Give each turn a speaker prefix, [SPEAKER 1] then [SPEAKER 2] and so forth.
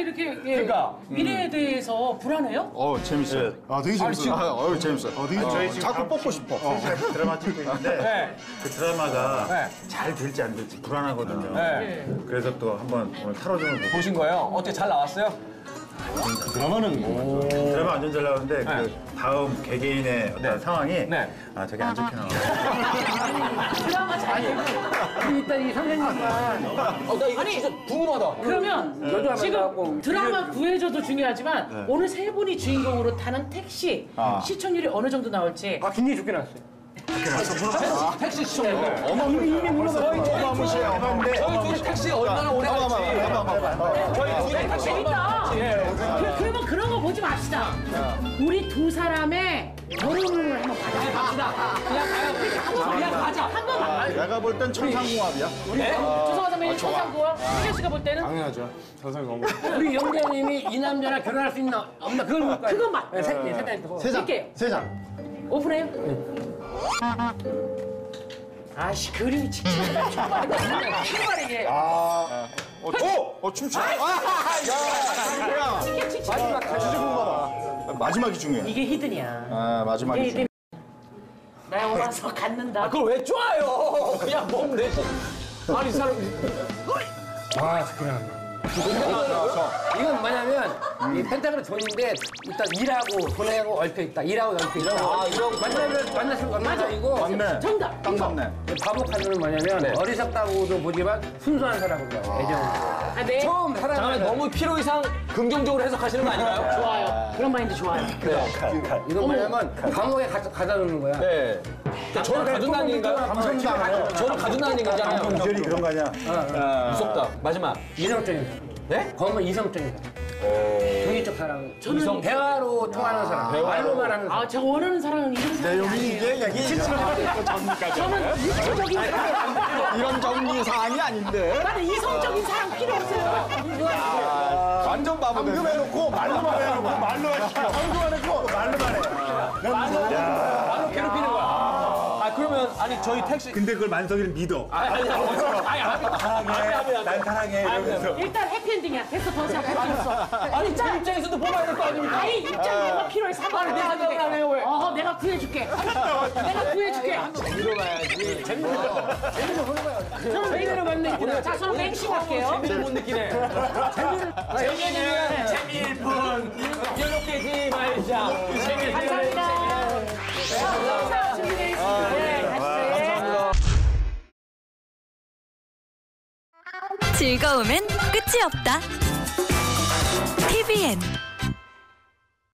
[SPEAKER 1] 이렇게 그러니까 미래에 대해서 불안해요?
[SPEAKER 2] 재밌어요.
[SPEAKER 3] 되게 재밌어요.
[SPEAKER 2] 재밌어요.
[SPEAKER 3] 되게
[SPEAKER 2] 저희 지금 자꾸 뽑고 싶어.
[SPEAKER 4] 드라마 찍고 있는데 그 드라마가 잘 될지 안 될지 불안하거든요. 그래서 또 한번 오늘 타로점을 보고
[SPEAKER 5] 보신 거예요? 어때 잘 나왔어요?
[SPEAKER 3] 드라마는
[SPEAKER 4] 드라마 완전 잘 나오는데 그 다음 개개인의 어떤 상황이 되게 안 좋게 나와요.
[SPEAKER 1] 드라마 잘 되고.
[SPEAKER 6] 일단 이 선생님만
[SPEAKER 5] 나 이거 진짜 궁금하다.
[SPEAKER 1] 그러면 지금 드라마 구해줘도 중요하지만 오늘 세 분이 주인공으로 타는 택시 시청률이 어느 정도 나올지.
[SPEAKER 6] 굉장히 좋게 나왔어요.
[SPEAKER 5] 택시 시청률.
[SPEAKER 6] 이미 물어봐요.
[SPEAKER 5] 저희 둘이 택시 얼마나 오래 갈지. 저희 둘이 택시
[SPEAKER 1] 재밌다. 그러면 그런 거 보지 맙시다. 우리 두 사람의 결혼을 한번 봐자.
[SPEAKER 5] 그냥 가자.
[SPEAKER 1] 한 번만.
[SPEAKER 2] 내가 볼 땐 천상궁합이야.
[SPEAKER 1] 조성아 선배님 천상구와 희재 씨가 볼 때는
[SPEAKER 3] 당연하죠. 천상궁합.
[SPEAKER 6] 우리 영재님이 이 남자랑 결혼할 수 있나 없나 그걸 볼 거예요.
[SPEAKER 1] 그것만.
[SPEAKER 6] 세장 있고.
[SPEAKER 1] 세 장. 오픈해요. 아씨 그림이 칙칙하다. 킥발이게.
[SPEAKER 2] 춤춰.
[SPEAKER 1] 칙칙.
[SPEAKER 2] 진짜 궁금하다. 마지막이 중요해.
[SPEAKER 1] 이게 히든이야.
[SPEAKER 2] 마지막이 중요해.
[SPEAKER 1] 나 와서 갖는다.
[SPEAKER 5] 그걸 왜 좋아요? 그냥 몸 내고. 아니 이 사람.
[SPEAKER 6] 좋게 나왔네. 이건 뭐냐면 이 펜타그램 돈인데 일단 일하고 돈하고 얽혀 있다. 일하고 얽혀 있다.
[SPEAKER 5] 이러고
[SPEAKER 6] 만나면 만나서 만나이고
[SPEAKER 2] 맞네.
[SPEAKER 1] 정답.
[SPEAKER 2] 딱 맞네.
[SPEAKER 6] 바보 카드는 뭐냐면 어리석다고도 보지만 순수한 사람으로 봐요. 애정.
[SPEAKER 1] 네.
[SPEAKER 6] 처음 사랑을
[SPEAKER 5] 잠깐만 너무 필요 이상 긍정적으로 해석하시는 거 아닌가요?
[SPEAKER 1] 좋아요. 그런 마인드 좋아요.
[SPEAKER 6] 이건 뭐냐면 감옥에 가다 놓는 거야.
[SPEAKER 5] 네. 저를 가둔다는 얘기인가요? 저를 가둔다는 얘기잖아요.
[SPEAKER 4] 이절이 그런 거 아니야?
[SPEAKER 5] 무섭다. 마지막.
[SPEAKER 6] 이성적인 사람.
[SPEAKER 5] 네?
[SPEAKER 6] 검은 이성적인 사람. 중의적 사람. 저는 대화로 통하는 사람. 말로만 하는 사람.
[SPEAKER 1] 제가 원하는 사랑은 이런 사랑이 아니에요. 저는 이성적인 사랑.
[SPEAKER 2] 이런 정리 사항이 아닌데.
[SPEAKER 1] 나는 이성적인 사랑 필요 없어요.
[SPEAKER 2] 완전 바보 됐네.
[SPEAKER 4] 해놓고 말로만 해놓고 말로만 시켜.
[SPEAKER 2] 황금 해놓고 말로만 해.
[SPEAKER 5] 바로 괴롭히는 거야. 그러면 아니 저희 택시.
[SPEAKER 4] 근데 그걸 만석이를 믿어.
[SPEAKER 5] 아니
[SPEAKER 4] 난 사랑해 이러면서.
[SPEAKER 1] 일단 해피엔딩이야. 됐어, 더 이상 할 필요 없어.
[SPEAKER 5] 아니 제 입장에서도 뽑아야 될 거 아닙니까?
[SPEAKER 1] 아니, 입장료가 필요해. 3만원 내가
[SPEAKER 5] 생각을 안 해요, 왜?
[SPEAKER 1] 내가 구해줄게. 내가 구해줄게.
[SPEAKER 5] 들어봐야지. 재밌는 거.
[SPEAKER 1] 저는 메인으로 맞는 자, 저는 맹신 할게요.
[SPEAKER 5] 재미를 못 느끼네. 재미는 재미일 뿐. 연락되지 말자.
[SPEAKER 1] 감사합니다. 자, 준비되어 있습니다. 네, 가시죠.
[SPEAKER 7] 즐거움엔 끝이 없다. TVN